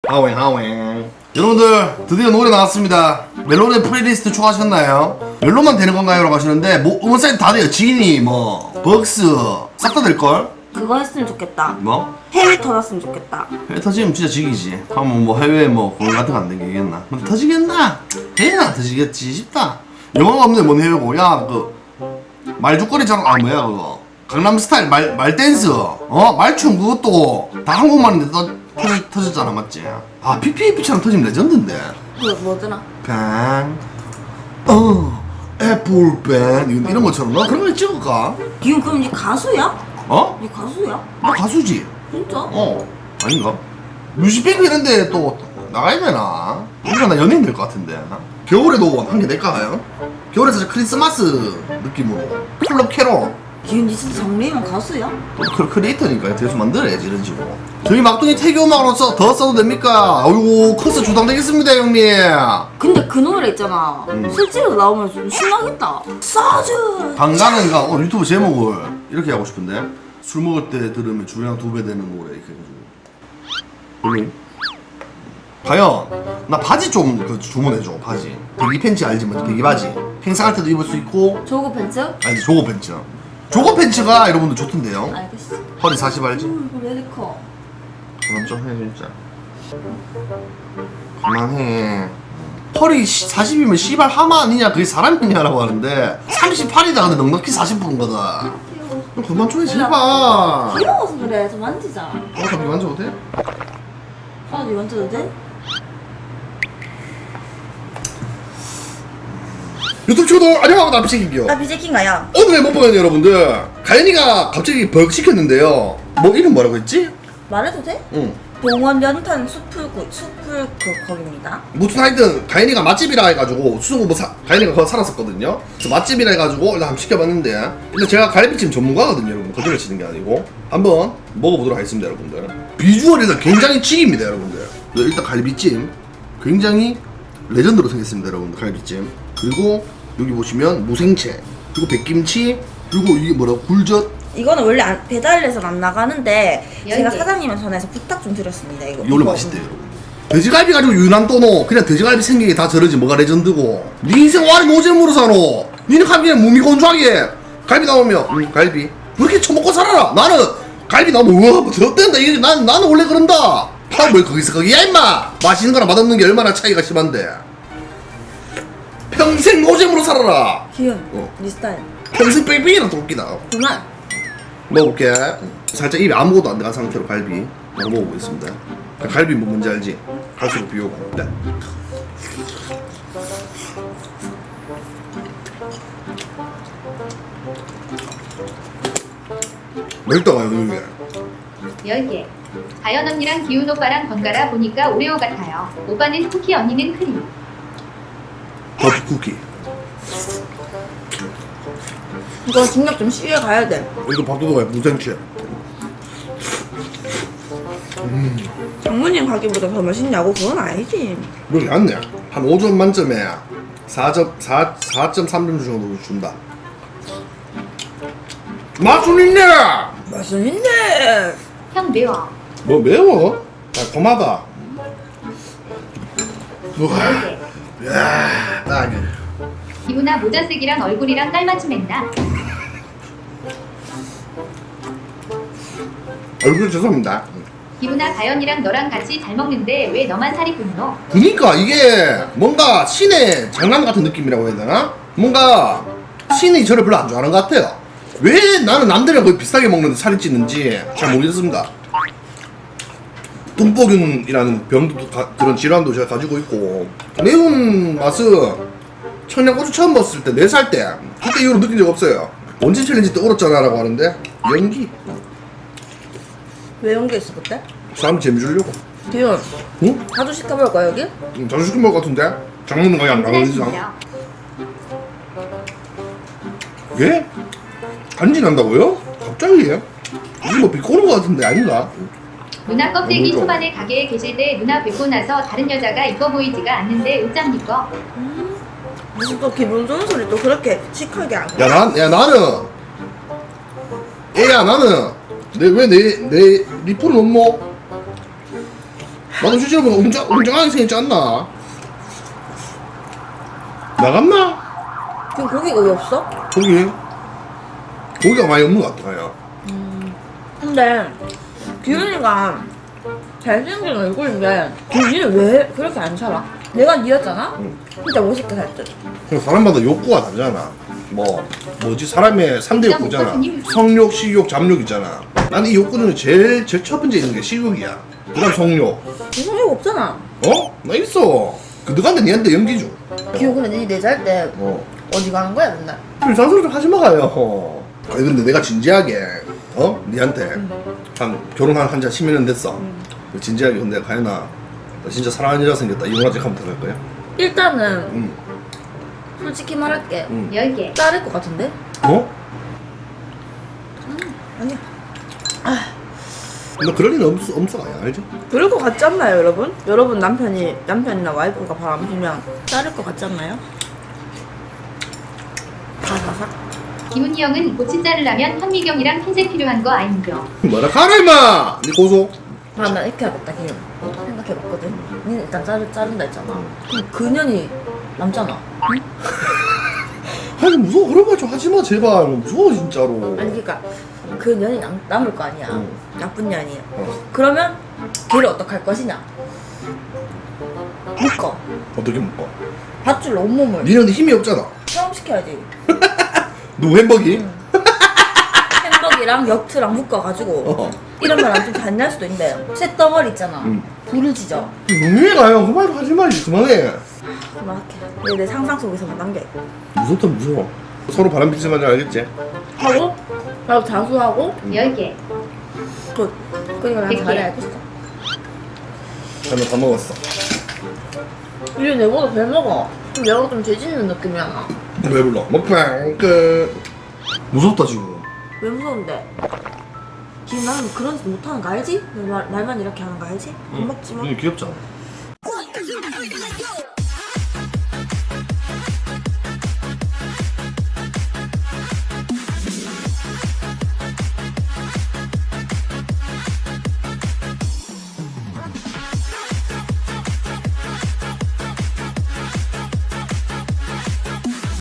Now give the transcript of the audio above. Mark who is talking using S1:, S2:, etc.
S1: 하웽. 여러분들 드디어 노래 나왔습니다. 멜론의 플레이리스트 추가하셨나요? 멜론만 되는 건가요? 라고 하시는데 뭐 음원 사이트 다 돼요. 지니 뭐 벅스 싹 다 될걸?
S2: 그거 했으면 좋겠다.
S1: 뭐?
S2: 해외 터졌으면 좋겠다.
S1: 해외 터지면 진짜 지기지. 하면 뭐 해외 뭐 공연 같은 거 안 되겠나? 근데 터지겠나? 해외는 안 터지겠지 싶다. 영화가 없는데 뭔 해외고. 야 그 말죽거리처럼 뭐야 그거 강남스타일 말 댄스 말춤 그것도 다 한국말인데 터졌잖아 맞지? 아 PPAP처럼 터지면 레전드인데.
S2: 그 뭐더라?
S1: 애플밴 이런 것처럼 나 그런 거 찍을까?
S2: 기훈 그럼 니 가수야?
S1: 어?
S2: 니 가수야?
S1: 나 가수지.
S2: 진짜?
S1: 아닌가? 뮤직뱅크 이런데 또 나가야 되나? 우리가 나 연예인 될 것 같은데. 겨울에도 한 개 낼까요? 겨울에 사실 크리스마스 느낌으로 클럽 캐롤.
S2: 기훈 니 진짜 장래희망 가수야?
S1: 또 크리에이터니까 대수 만들어야지 이런 식으로. 저희 막둥이 태교 음악으로서 더 써도 됩니까? 아이고 커서 주당되겠습니다 형님.
S2: 근데 그 노래 있잖아. 실제로 나오면 좀 신나겠다. 싸즈.
S1: 방가는가 유튜브 제목을 이렇게 하고 싶은데 술 먹을 때 들으면 주량 2배 되는 노래 이렇게 해가지고. 과연 나 바지 좀 주문해줘. 바지 배기 팬츠 알지? 뭐 배기 바지 행사할 때도 입을 수 있고.
S2: 조거 팬츠?
S1: 아니 조거 팬츠. 조거 팬츠가 여러분들 좋던데요.
S2: 알겠어.
S1: 허리 40 알지?
S2: 왜 이렇게 커?
S1: 그만 좀 해 진짜. 그만해. 허리 40이면 씨발 하마 아니냐? 그게 사람이냐라고 하는데 38이다. 근데 넉넉히 40%인 거다. 그만 좀 해 제발.
S2: 귀여워서 그래. 좀 만지자.
S1: 가비 만져도 돼?
S2: 아, 니 만져도 돼?
S1: 유튜브 친구들 안녕하세요. 나 비책인기요.
S2: 나 비제킹가야.
S1: 오늘의 먹방은 여러분들 가연이가 갑자기 벌 시켰는데요. 뭐 이름 뭐라고 했지?
S2: 말해도 돼?
S1: 응.
S2: 동원 연탄 숲을 거기입니다.
S1: 무슨 하여튼 가연이가 맛집이라 해가지고 수성구 가연이가 거기 살았었거든요. 그래서 맛집이라 해가지고 일단 한번 시켜봤는데 근데 제가 갈비찜 전문가거든요 여러분. 거짓말 치는 게 아니고 한번 먹어보도록 하겠습니다 여러분들. 비주얼이 일단 굉장히 치기입니다 여러분들. 일단 갈비찜 굉장히 레전드로 생겼습니다 여러분들. 갈비찜 그리고 여기 보시면 무생채 그리고 백김치 그리고 이게 뭐라고 굴젓.
S2: 이거는 원래 배달해서 안 나가는데 제가
S3: 열개.
S2: 사장님한테 전화해서 부탁 좀 드렸습니다. 이거
S1: 이거 원래 맛있대요 여러분. 돼지갈비 가지고 유난 떠노. 그냥 돼지갈비 생기게 다 저러지 뭐가 레전드고. 네 인생 와리 노잼으로 사노. 니는 가면 무미건조하게 갈비 나오면 갈비 왜 이렇게 처먹고 살아라. 나는 갈비 나오면 우와 뭐 더뜬다. 이게 나는 원래 그런다. 뭘 거기서 거기야 임마. 맛있는 거랑 맛없는 게 얼마나 차이가 심한데. 평생 노잼으로 살아라.
S2: 기훈, 니 스타일.
S1: 평생 뺑뺑이랑 도끼다.
S2: 그만.
S1: 먹어볼게. 살짝 입에 아무것도 안 들어간 상태로 갈비 먹어보겠습니다. 갈비 뭐 뭔지 알지? 갈수록 비우고. 네. 맛있다가요 이게.
S3: 10개. 가연 언니랑 기훈 오빠랑 번갈아 보니까 오레오 같아요. 오빠는 쿠키, 언니는 크림.
S1: 커피 쿠키.
S2: 이거 중력 좀 쉬게 가야 돼.
S1: 이거 밥도둑 무생채.
S2: 장모님 가게보다 더 맛있냐고? 그건 아니지.
S1: 이거 얇네. 한 5점 만점에 4.3점 정도 준다. 맛은 있네.
S2: 맛은 있네.
S3: 형 매워.
S1: 뭐 매워? 달콤하다. 우와.
S3: 10개.
S1: 야, 딱.
S3: 기훈아 모자 쓰기랑 얼굴이랑 깔맞춤했나?
S1: 얼굴 죄송합니다.
S3: 기훈아 가연이랑 너랑 같이 잘 먹는데 왜 너만 살이 굽노?
S1: 그니까 이게 뭔가 신의 장난 같은 느낌이라고 해야 되나? 뭔가 신이 저를 별로 안 좋아하는 것 같아요. 왜 나는 남들이랑 거의 비슷하게 먹는데 살이 찌는지 잘 모르겠습니다. 뚱보균이라는 병도 그런 질환도 제가 가지고 있고 매운 맛은 청양고추 처음 먹었을 때 4살 때 그때 이후로 느낀 적 없어요. 원진 챌린지 때 울었잖아 라고 하는데 연기
S2: 왜 연기 있어 그때?
S1: 사람 재미 주려고.
S2: 기훈,
S1: 응?
S2: 자주 시켜볼까 여기?
S1: 자주 시킨 것 같은데? 장모는 거의 안 나오는 이상
S3: 진짜.
S1: 예? 간지 난다고요? 갑자기? 이게 뭐 비꼬는 것 같은데 아닌가?
S3: 누나 껍데기
S1: 너무
S3: 초반에 가게에 계실 때 누나 뵙고 나서 다른 여자가 이뻐 보이지가 않는데 옷장니꺼.
S2: 무슨 또 기분 좋은 소리 또 그렇게 시크하게 안 해.
S1: 야 나는 애야 나는 내 리프를 못 먹어? 나도 실제로 보면 웅장하게 생겼지 않나? 나갔나?
S2: 지금 고기가 왜 없어?
S1: 고기가 많이 없는 것 같아 가야.
S2: 근데 기훈이가 잘생긴 얼굴인데 기훈이는 왜 그렇게 안 살아? 내가 니였잖아? 진짜 멋있게 살듯.
S1: 사람마다 욕구가 다르잖아. 뭐지 사람의 3대 욕구잖아. 성욕, 식욕, 잡욕 있잖아. 난 이 욕구 중에 제일 첫 번째 있는 게 식욕이야. 그다음 성욕.
S2: 성욕 없잖아.
S1: 어? 나 있어. 그 너한테 니한테 연기 줘.
S2: 기훈 근데 니 내잘 때 어디 가는 거야 맨날?
S1: 잔소리 좀 하지 마요. 아니 근데 내가 진지하게 니한테 한 결혼한 한지 10몇 년 됐어. 진지하게 근데 가연아 나 진짜 사랑하는 여자 생겼다 이혼하지 하면 될 거야?
S2: 일단은 솔직히 말할게
S3: 10개.
S2: 자를 것 같은데?
S1: 어?
S2: 아니야.
S1: 너 그럴 리는 없어 가야 알지?
S2: 그럴 것 같지 않나요 여러분? 여러분 남편이나 와이프가 바람 피면 자를 것 같지 않나요? 바사삭.
S3: 기훈이 형은 고치 자르려면 현미경이랑 핀셋 필요한 거 아닌겨.
S1: 뭐라 가라 임마! 니 고소?
S2: 아, 나 이렇게 해야겠다, 기훈. 생각해봤거든. 니는 일단 자른다 했잖아. 그럼 그년이 남잖아. 응?
S1: 아니 무서워 그런 말 좀 하지마 제발 무서워 진짜로.
S2: 아니, 그니까, 그 년이 남을 거 아니야.
S1: 응.
S2: 나쁜 년이. 그러면 걔를 어떡할 것이냐? 묶어.
S1: 어떻게 묶어?
S2: 밧줄로 온몸을.
S1: 니는 근데 힘이 없잖아.
S2: 체험시켜야지.
S1: 누구 햄버기?
S2: 햄버기랑 역트랑 묶어가지고. 이런 말하면 좀 잔인할 수도 있는데. 쇳덩어리 있잖아. 불을 지져.
S1: 너무해 가요 그 말 하지 마 이제 그만해.
S2: 그만할게. 이게 내 상상 속에서만 남겨.
S1: 무섭다 무서워. 서로 바람 피지 말자 알겠지?
S2: 하고, 나도 자수하고,
S3: 10개.
S2: 굿. 그러니까 난
S3: 백개.
S2: 잘해 알겠어.
S1: 나는 다 먹었어.
S2: 이제 내보다 배 먹어. 그럼 내가 좀 죄짓는 느낌이야.
S1: 왜 불러? 먹방 끝. 무섭다 지금.
S2: 왜 무서운데? 지금 나는 그런 짓 못하는 거 알지? 말만 이렇게 하는 거 알지? 안 먹지 마.
S1: 눈이 귀엽잖아.